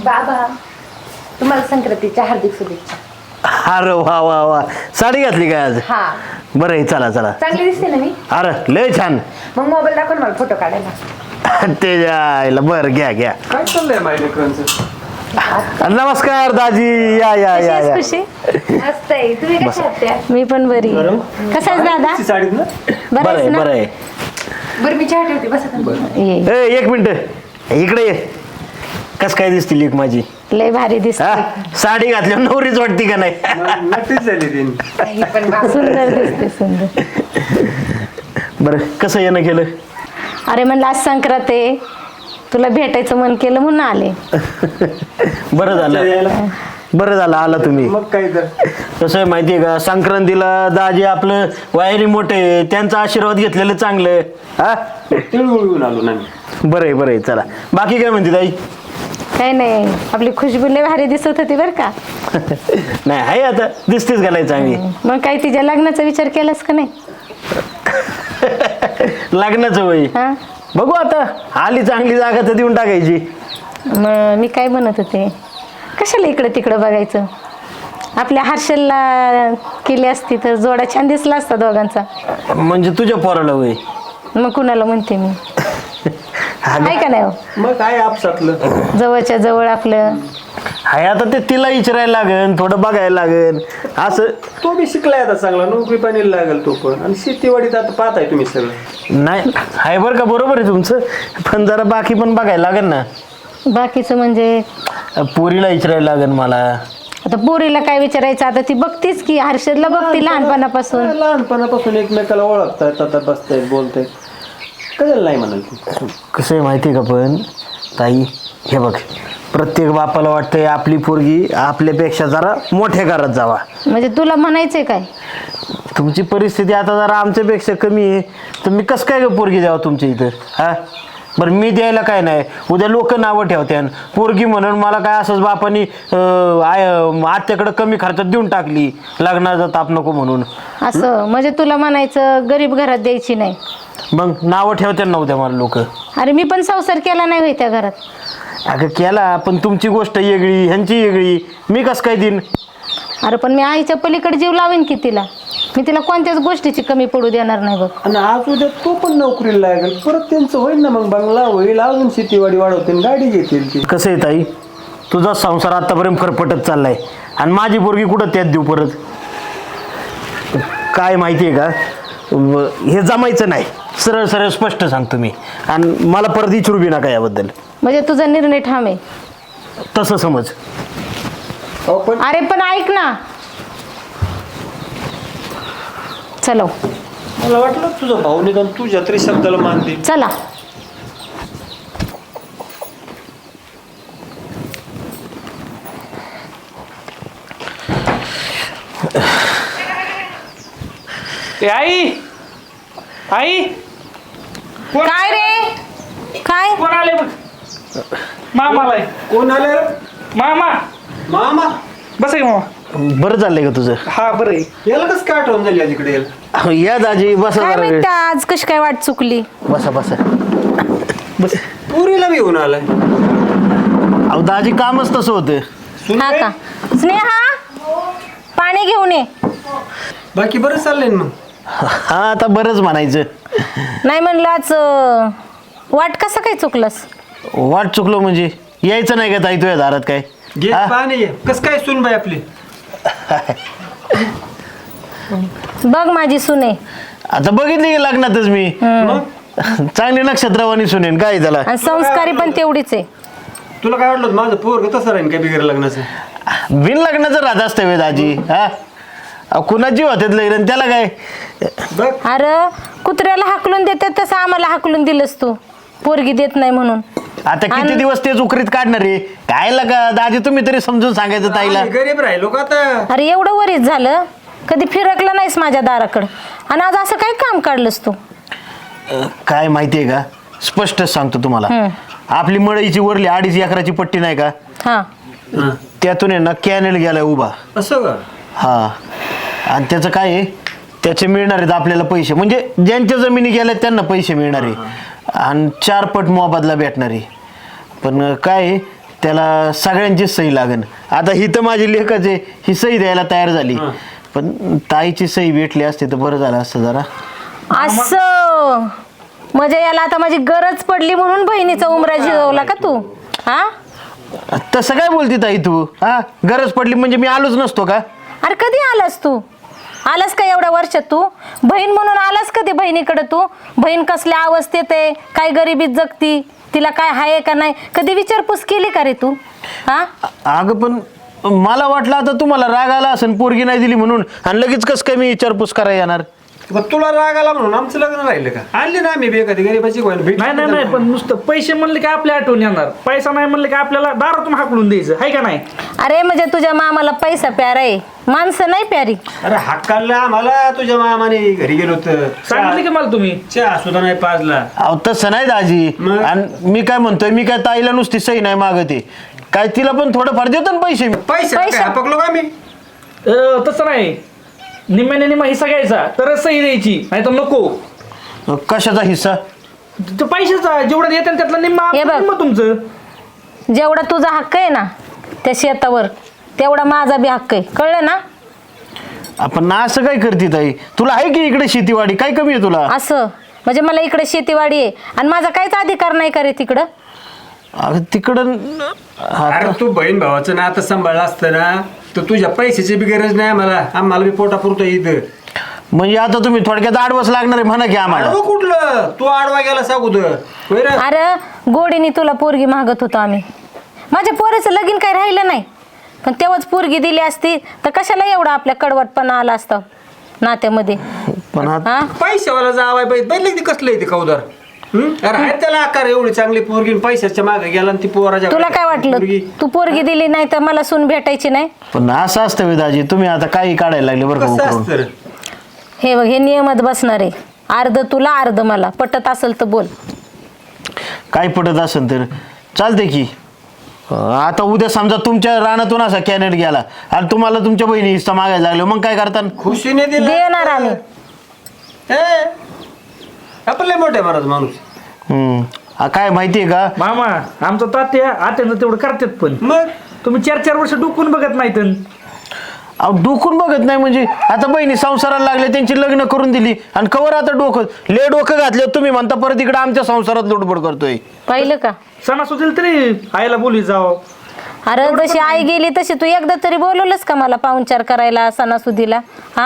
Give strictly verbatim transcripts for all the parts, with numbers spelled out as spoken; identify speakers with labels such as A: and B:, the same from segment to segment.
A: बाबा तुम्हाला संक्रांतीच्या हार्दिक शुभेच्छा.
B: अरे वा वा वा साडी घातली काय आज?
A: हा
B: बरं आहे चला चला.
A: चांगली दिसते ना मी?
B: अरे लय छान.
A: मग मोबाईल दाखव ना मला फोटो काढायला.
B: ते जायला बरं घ्या घ्या.
C: काय चाललंय माझ्या लेकरांचं?
B: नमस्कार दाजी या या या या.
D: खुशी
A: मस्त आहे. तुम्ही कशा आहात त्या?
D: मी पण बरी. कसा आहेस दादा?
C: ती साडीत ना
B: बरं
D: बरं
B: आहे
D: ना?
B: बरं आहे.
A: बरं मी चहा ठेवते बसा तुम्ही.
D: ये.
B: ए, एक मिनिट इकडे ये. कस काय दिसती लेक माझी?
D: लय भारी
B: हा
D: दिसते.
B: साडी घातल्यावर नवरीच वाटती का नाही?
C: नक्कीच झाली ती.
A: ही पण बाबा.
D: सुंदर दिसते सुंदर.
B: बरं कसं येणं केलं?
D: अरे म्हणलं आज संक्रांत आहे, तुला भेटायचं मन केलं म्हणून आले.
B: बरं झालं बरं झालं आला तुम्ही.
C: मग काय तर
B: कसं आहे माहितीये का, संक्रांतीला दाजी आपलं वायरी मोठे त्यांचा आशीर्वाद घेतलेलं चांगलं. हा
C: तिळगुळ आलो ना मी.
B: बरं आहे बरं आहे चला. बाकी काय म्हणते ताई?
D: काही नाही, आपली खुशबू लय भारी दिसत होती बरं का.
B: नाही आहे आता दिसतेच घालाय चांगली.
D: मग काही तिच्या लग्नाचा विचार केलास का नाही?
B: लग्नाचं वय
D: हा
B: बघू आता, आली चांगली जागा तर देऊन टाकायची.
D: मग मी काय म्हणत होते, कशाला इकडं तिकडं बघायचं, आपल्या हर्षलला केली असती तर जोडा छान दिसला असता दोघांचा.
B: म्हणजे तुझ्या पोराला वय?
D: मग कुणाला म्हणते मी, आहे का नाही हो?
C: मग काय आपसातलं
D: जवळच्या जवळ आपलं.
B: हाय आता ते तिला विचारायला लागेल, थोडं बघायला लागेल असं.
C: तो बी शिकलाय आता चांगला, नोकरी पाणी लागेल तो पण. आणि शेतीवाडीत आता पाहताय तुम्ही सगळं.
B: नाही हाय बरं का, बरोबर आहे तुमचं, पण जरा बाकी पण बघायला लागेल ना.
D: बाकीचं म्हणजे
B: पोरीला विचारायला लागेल मला.
D: आता पोरीला काय विचारायचं, आता ती बघतीच की, हर्षदला बघती लहानपणापासून.
C: लहानपणापासून एकमेकाला ओळखतायत, आता बसतायत बोलतायत, कशाला नाही म्हणाल ती.
B: कसं आहे माहिती आहे का पण ताई, हे बघ प्रत्येक बापाला वाटतंय आपली पोरगी आपल्यापेक्षा जरा मोठ्या घरात जावा.
D: म्हणजे तुला म्हणायचंय काय?
B: तुमची परिस्थिती आता जरा आमच्यापेक्षा कमी आहे, तर मी कसं काय गं पोरगी द्यावं तुमच्या इथं? हा बरं मी द्यायला काय नाही, उद्या लोक नावं ठेवत्यान पोरगी म्हणून मला काय असंच बापानी आय आत्याकडं कमी खर्चात देऊन टाकली, लग्नाचा ताप नको म्हणून.
D: असं म्हणजे तुला म्हणायचं गरीब घरात द्यायची नाही.
B: मग नावं ठेवत्यान ना उद्या मला लोक.
D: अरे मी पण संसार केला नाही होय त्या घरात.
B: अगं केला, पण तुमची गोष्ट वेगळी ह्यांची वेगळी, मी कसं काय देईन?
D: अरे पण मी आईच्या पलीकडे जीव लावेन की तिला, मी तिला कोणत्याच गोष्टीची कमी पडू देणार नाही बघ.
C: आणि आज उद्या तो पण नोकरीला लागेल, परत त्यांचं होईल ना, मग बंगला होईल, अजून शेतीवाडी वाढवतील, गाडी घेतील ती.
B: कसं आहे ताई, तुझा संसार आतापर्यंत फरफटत चाललाय आणि माझी पोरगी कुठं त्यात देऊ परत? काय माहिती आहे का, व- हे जमायचं नाही, सरळ सरळ स्पष्ट सांगतो मी, आणि मला परत विचारू बी नका याबद्दल.
D: म्हणजे तुझा निर्णय ठाम आहे?
B: तसं समज.
C: अहो, पण
D: अरे पण ऐक ना, चलो
C: मला वाटलं तुझा भाऊ निदान तुझ्या तरी शब्दाला मान दे.
D: चला.
E: ए आई आई कोण
D: काय रे काय?
E: कोण आले बघ? मामा आलाय.
C: कोण आले?
E: मामा
C: मामा.
E: बस आहे मामा.
B: बरं चाललंय का तुझं?
E: हा बरं आहे.
C: याला कसं काय आठवण झाली आज इकडे यायला?
B: या दाजी बसा
D: काय
B: जरा वेळ.
D: माहिती आज कशी काय वाट चुकली.
B: बसा बसा.
E: बस
C: पुरीला बी घेऊन आलाय.
B: अहो दाजी कामच तसं होतं.
D: हा का? स्नेहा पाणी घेऊन ये.
C: बाकी बरं चाललंय ना मग?
B: हा आता बरंच म्हणायचं.
D: नाही म्हणलं आज अं, वाट कसं काय चुकलंस?
B: वाट चुकलो म्हणजे यायचं नाही का ताई तुझ्या दारात काय?
C: घे
B: हा?
C: पाणी घे. कसं काय सुन बाई आपली?
D: बघ माझी सुने,
B: आता बघितली की लग्नातच मी
C: मग
B: चांगली नक्षत्रवाणी सुनेन काय त्याला.
D: आणि संस्कारी पण तेवढीच आहे.
C: तुला काय वाटलं माझं पोरग तसं राहीन काय बिगर लग्नाचं?
B: बिन लग्नाचं राहत असतं वे दाजी. हा अहो, कुणाची होत्यात लग्न त्याला काय.
C: बघ
D: अरे कुत्र्याला हाकलून देतात तसं आम्हाला हाकलून दिलंस तू, पोरगी देत नाही म्हणून.
B: आता किती
D: आणि-
B: दिवस तेच उकरीत काढणार आहे काय लगा दाजी, तुम्ही तरी समजून सांगायचं ताईला.
C: आम्ही गरीब राहिलो का आता?
D: अरे एवढं वरीच झालं, कधी फिरकलं नाहीस माझ्या दाराकडं, आणि आज असं काय काम काढलंस तू?
B: अं, काय माहितीये का, स्पष्ट सांगतो तुम्हाला.
D: हम्म.
B: आपली मळईची वरली अडीच एकराची पट्टी नाही का,
D: हा
C: हं.
B: त्यातून आहे ना कॅनेल गेलाय उभा.
C: असं का?
B: हा आणि त्याचं काय आहे, त्याचे मिळणार आहेत आपल्याला पैसे, म्हणजे ज्यांच्या जमिनी गेल्या त्यांना पैसे मिळणार आहे आणि चार पट मोबदला भेटणार आहे. पण काय आहे, त्याला सगळ्यांची सही लागन. आता ही तर माझी लेखच आहे, ही सही द्यायला तयार झाली, पण ताईची सही भेटली असते तर बरं झालं असतं जरा.
D: असं म्हणजे याला आता माझी गरज पडली म्हणून बहिणीचा उमरा जिरवला का तू? हा
B: तसं काय बोलती ताई तू? हा गरज पडली म्हणजे मी आलोच नसतो का?
D: अरे कधी आलास तू? आलास का एवढ्या वर्षात तू? बहीण म्हणून आलास कधी बहिणीकडे तू? बहीण कसल्या अवस्थेत आहे, काय गरिबीत जगती, तिला काय आहे का नाही, कधी विचारपूस केली का रे तू? हा
B: अगं पण मला वाटलं आता तुम्हाला राग आला असेल पोरगी नाही दिली म्हणून, आणि लगेच कसं काय मी विचारपूस करायला येणार?
C: मग तुला राग आला म्हणून आमचं लग्न राहिलं का? आणले ना आम्ही बे कधी गरीबाची गोष्ट भेट.
E: नाही नाही नाही, पण नुसतं पैसे म्हणले की आपल्या आठवण येणार, पैसा नाही म्हणले की आपल्याला दारातून हाकलून द्यायचं, आहे का नाही?
D: अरे म्हणजे तुझ्या मामाला पैसा प्यारा आहे, माणसं नाही प्यारी.
C: अरे हक्काला आम्हाला तुझ्या मामाने घरी गेलो होतं,
E: सांगितलं की मला तुम्ही?
C: चहा सुद्धा नाही पाजला.
B: अहो तसं नाही दाजी.
C: मग?
B: आणि मी काय म्हणतोय, मी काय ताईला नुसती सही नाही मागते, काय तिला पण थोडंफार देतो ना पैसे मी.
C: पैसे
D: पैसे-
C: काय हपकलो का आम्ही?
E: अं, तसं नाही, निम्म्याने निम्मा हिस्सा घ्यायचा तरच सही द्यायची, नाही तर नको.
B: कशाचा हिस्सा?
E: तो पैशाचा जेवढं येतं त्यातला निम्मा
D: हे बघ.
E: निम्मा तुमचं.
D: जेवढा तुझा हक्क आहे ना त्या शेतावर, तेवढा माझा बी हक्क आहे, कळलं ना?
B: आपण असं काय करते ताई? तुला आहे की इकडे शेतीवाडी, काय कमी आहे तुला?
D: असं म्हणजे मला इकडे शेतीवाडी आहे आणि माझा काहीच अधिकार नाही का रे तिकडं?
B: अगं तिकडं
C: अरे तू बहीण भावाचं ना आता सांभाळलं असतं ना तर तुझ्या पैशाची बी गरज नाही आम्हाला, आम्हाला बी पोटा पुरतो इथं.
B: म्हणजे आता तुम्ही थोडक्यात आडवस लागणार आहे म्हणा की आम्हाला.
C: आडवं कुठलं? तू आडवा गेला अगोदर होय रे?
D: अरे गोडीने तुला पोरगी मागत होतो आम्ही, माझ्या पोराचं लगीन काही राहिलं नाही, पण तेव्हाच पोरगी दिली असती तर कशाला एवढा आपल्या कडवटपणा आला असता नात्यामध्ये?
B: पण आता
D: हा
C: पैशावाला जावाय पाहिजे बैल ते कसलं आहे ते कौदार. हम्म? अरे आहेत त्याला आकार एवढी चांगली पोरगी, पैशाच्या मागे गेला आणि ती पोराच्या
D: तुला काय वाटलं
C: पोरगी.
D: तू पोरगी दिली नाही तर मला सून भेटायची नाही?
B: पण असं असतं वेदाजी, तुम्ही आता काही काढायला लागले बरं का
C: कसं
B: उकरून.
C: असतं रे?
D: हे बघ, हे नियमात बसणार आहे, अर्ध तुला अर्ध मला, पटत असेल तर बोल.
B: काय पटत असेल तर चालते की. अं, आता उद्या समजा तुमच्या रानातून असा कॅनेट गेला आणि तुम्हाला तुमच्या बहिणी हिस्सा मागायला लागलो, मग काय करता?
C: खुशीने दिलं
D: देणार आम्ही.
C: हे, आपण लय मोठे महाराज माणूस.
B: हम्म. आ, काय माहितीये का,
E: मामा आमचं तात्या आत्यानं तेवढं करतात, पण
C: मग
E: तुम्ही चार चार वर्ष डुकून बघत नाहीत.
B: अहो डोकून बघत नाही म्हणजे आता बहिणी संसाराला लागले, त्यांची लग्न करून दिली आणि कवर आता डोकं ले डोकं घातले तुम्ही म्हणता परत इकडे आमच्या संसारात लुडबड करतोय.
D: पाहिलं का?
E: सणासुदीला तरी आईला बोली जाव.
D: अरे जशी आई गेली तशी तू एकदा तरी बोलवलंस का मला पाहुणचार करायला सणासुदीला? हा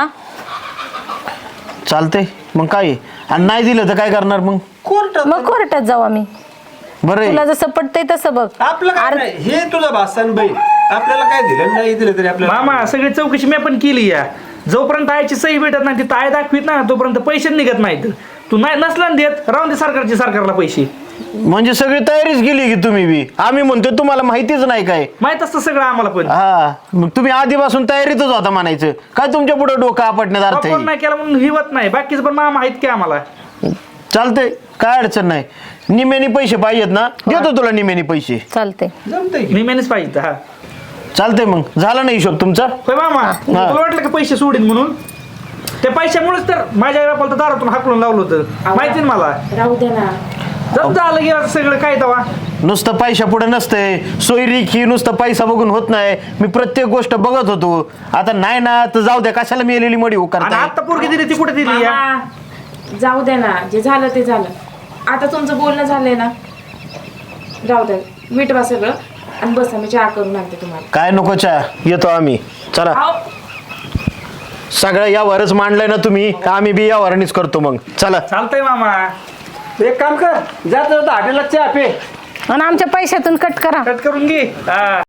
B: चालतंय मग काय आहे? आणि नाही दिलं तर काय करणार मग?
C: कोर्टात
D: मग कोर्टात जाऊ आम्ही,
B: बरं आहे.
D: तुला जसं पटतंय तसं बघ.
C: आपलं काय नाही, हे तुझा भासान बहीण आपल्याला काय दिलं नाही दिलं तरी आपल्याला
E: मामा सगळी चौकशी मी पण केली या, जोपर्यंत आईची सही भेटत नाही ती आय दाखवीत ना तोपर्यंत पैसे निघत नाहीत. तू नाही नसला ना देत, राहून दे सरकारची सरकारला पैसे.
B: म्हणजे सगळी तयारीच केली की तुम्ही बी? आम्ही म्हणतोय तुम्हाला माहितीच नाही काय?
E: माहित असतं सगळं आम्हाला पण.
B: हा मग तुम्ही आधीपासून तयारीतच होता म्हणायचं. काय तुमच्या पुढे डोकं आपटण्यात अर्थ
E: वापर
B: आहे?
E: नाही केला म्हणून हिवत नाही, बाकीचं पण मामा आहेत की आम्हाला.
B: चालतंय, काय अडचण नाही. निमेनी पैसे पाहिजेत ना, देतो तुला निमेनी पैसे.
D: चालते.
C: जमतंय की.
E: निम्यानेच पाहिजे. हा
B: चालतंय मग, झाला ना हिशोब तुमचा?
E: होय मामा, तुला वाटलं का पैसे सोडीन म्हणून? त्या पैशामुळेच तर माझ्या आई बापाला तर दारातून हाकलून लावलं होतं, माहिती ना मला.
A: राहू दे ना.
E: जम झालं गेलं सगळं काय तवा.
B: नुसतं पैशा पुढे नसतंय, सोयरीकी नुसतं पैसा बघून होत नाही. मी प्रत्येक गोष्ट बघत होतो. आता नाही ना तर जाऊ द्या, कशाला मेलेली मडी
E: आणि
B: उकारताय?
E: आता पोरगी दिली ती कुठे दिली या?
A: मामा, जाऊ दे ना, जे झालं ते झालं. आता तुमचं बोलणं झालंय ना, राहू द्या, मिटवा सगळं आणि बसा, मी चहा करून आणते तुम्हाला.
B: काय नको चहा, येतो आम्ही. चला,
A: अहो,
B: सगळं यावरच मांडलंय ना तुम्ही, का आम्ही बी यावरनीच करतो मग. चला.
E: चालतंय मामा,
C: एक काम कर, जात जाता हॉटेलला चहा पे.
D: आणि आमच्या पैशातून कट करा.
E: कट करून घे. हा